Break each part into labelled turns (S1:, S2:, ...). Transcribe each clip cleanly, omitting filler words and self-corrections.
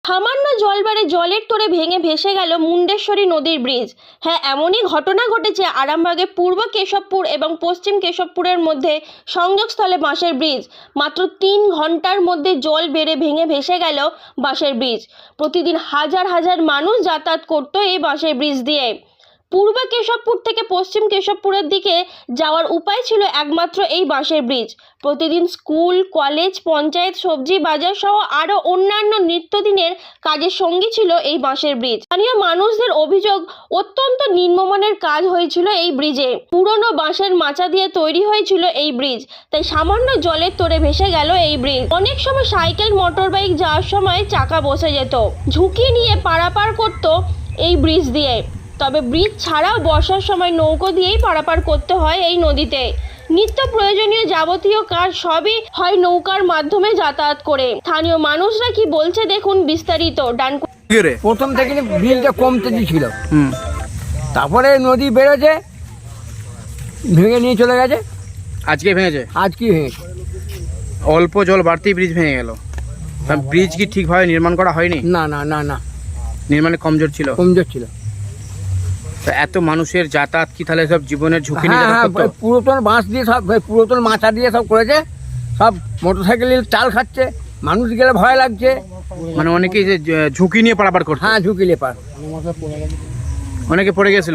S1: সামান্য জল বাড়ে জলের তোড়ে ভেঙে ভেসে গেল মুন্ডেশ্বরী নদীর ব্রিজ। হ্যাঁ, এমনই ঘটনা ঘটেছে আরামবাগের পূর্ব কেশবপুর এবং পশ্চিম কেশবপুরের মধ্যে সংযোগস্থলে বাঁশের ব্রিজ। মাত্র 3 ঘন্টার মধ্যে জল বেড়ে ভেঙে ভেসে গেল বাঁশের ব্রিজ। প্রতিদিন হাজার হাজার মানুষ যাতায়াত করত এই বাঁশের ব্রিজ দিয়ে। পূর্ব কেশবপুর থেকে পশ্চিম কেশবপুরের দিকে যাওয়ার উপায় ছিল একমাত্র এই বাঁশের ব্রিজ। প্রতিদিন স্কুল, কলেজ, পঞ্চায়েত, সবজি বাজার সহ আরও অন্যান্য নিত্যদিনের কাজের সঙ্গী ছিল এই বাঁশের ব্রিজ। স্থানীয় মানুষদের অভিযোগ, অত্যন্ত নিম্নমানের কাজ হয়েছিল এই ব্রিজে। পুরনো বাঁশের মাচা দিয়ে তৈরি হয়েছিল এই ব্রিজ, তাই সামান্য জলের তোড়ে ভেসে গেল এই ব্রিজ। অনেক সময় সাইকেল, মোটর বাইক যাওয়ার সময় চাকা বসে যেত, ঝুঁকি নিয়ে পারাপার করত এই ব্রিজ দিয়ে। তবে ব্রিজ ছাড়াও বর্ষার সময় নৌকো দিয়েই পারাপার করতে হয় এই নদীতে। নিত্য প্রয়োজনীয় যাবতীয় কাজ সবই হয় নৌকার মাধ্যমে যাতায়াত করে। স্থানীয় মানুষরা কি বলছে দেখুন বিস্তারিত।
S2: প্রথম থেকে ব্রিজটা কমতে ছিল, তারপরে নদী বেড়েছে, ভেঙে নিয়ে চলে গেছে।
S3: আজকে ভেঙেছে?
S2: আজকে ভেঙেছে।
S3: অল্প জল বাড়তেই ব্রিজ ভেঙে গেল। ব্রিজ কি ঠিকভাবে নির্মাণ করা হয়নি?
S2: না না না না,
S3: নির্মাণে কমজোর ছিল।
S2: কমজোর ছিল।
S3: এত মানুষের যাতায়াত কি তাহলে সব জীবনের ঝুঁকি নিয়ে
S2: হ্যাঁ,
S3: যাতায়াত করতো?
S2: পুরাতন বাঁশ দিয়ে সব, পুরাতন মাচা দিয়ে সব করেছে। সব মোটরসাইকেলের চাল খাচ্ছে, মানুষ গেলে ভয় লাগছে।
S3: মানে অনেকেই যে ঝুঁকি নিয়ে পারাপার করতো।
S2: হ্যাঁ, ঝুঁকিলে পার।
S3: অনেকে পড়ে গেছিল।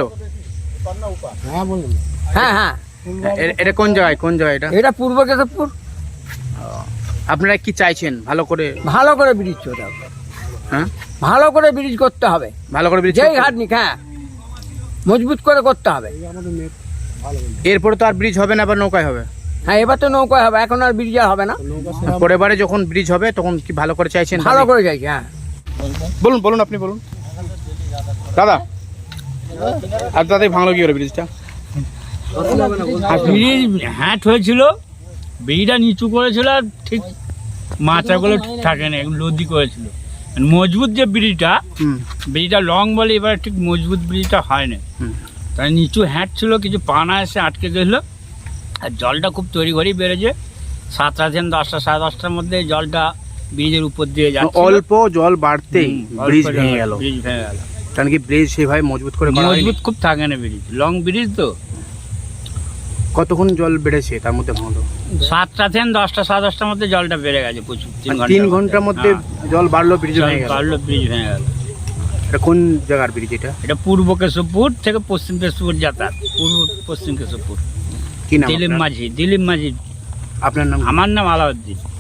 S2: হ্যাঁ হ্যাঁ,
S3: এটা কোন জায়গায়? কোন জায়গা এটা?
S2: এটা পূর্ব কেশবপুর।
S3: আপনারা কি চাইছেন? ভালো করে
S2: ব্রিজ করতে হবে।
S3: হ্যাঁ,
S2: ভালো করে ব্রিজ করতে হবে।
S3: ভালো করে ব্রিজ
S2: যেই ঘাট নিক, হ্যাঁ, মজবুত করে করতে হবে।
S3: এরপরে তো আর ব্রিজ হবে না, আবার নৌকায় হবে।
S2: হ্যাঁ, এবার তো নৌকায় হবে, এখন আর ব্রিজ আর হবে না।
S3: পরের বারে যখন ব্রিজ হবে তখন কি ভালো করে চাইছেন?
S2: ভালো করে চাইছি। হ্যাঁ,
S3: বলুন বলুন, আপনি বলুন দাদা। আর দাদাই ভাঙলো কি করে ব্রিজটা?
S4: ব্রিজ হ্যাট হয়েছিল, ব্রিজটা নিচু করেছিল, আর ঠিক মাচাগুলো ঠিক থাকে না, লদি করেছিল। মজবুত যে ব্রিজটা লং বলে, এবার ঠিক মজবুত ব্রিজটা হয় না। তাই নিচু হ্যাট ছিল, কিছু পানা এসে আটকে গেছিল। আর জলটা খুব তৈরি করেই বেড়েছে। 7টা থেকে 10টা, 10:30টার মধ্যে জলটা ব্রিজের উপর দিয়ে যাচ্ছে।
S3: অল্প জল বাড়তেই ব্রিজ ভেঙে গেল। কারণ কি ব্রিজ সেভাবে মজবুত করে করা হয়নি।
S4: মজবুত খুব থাকে না ব্রিজ, লং ব্রিজ তো।
S3: কতক্ষণ জল বেড়েছে তার মধ্যে ভাঙলো?
S4: 7টা থেকে 10টা, 10:30টার মধ্যে জলটা বেড়ে গেছে প্রচুর।
S3: 3 ঘন্টার মধ্যে জল বাড়লো, ব্রিজ ভেঙে গেল।
S4: ব্রিজ ভেঙে গেল।
S3: এটা কোন জায়গার ব্রিজ এটা?
S4: এটা পূর্ব কেশবপুর থেকে পশ্চিম কেশবপুর যাতায়াত। পূর্ব পশ্চিম কেশবপুর।
S3: কি নাম
S4: দিলীপ মাঝি।
S3: আপনার নাম?
S4: আমার নাম আলাউদ্দিন।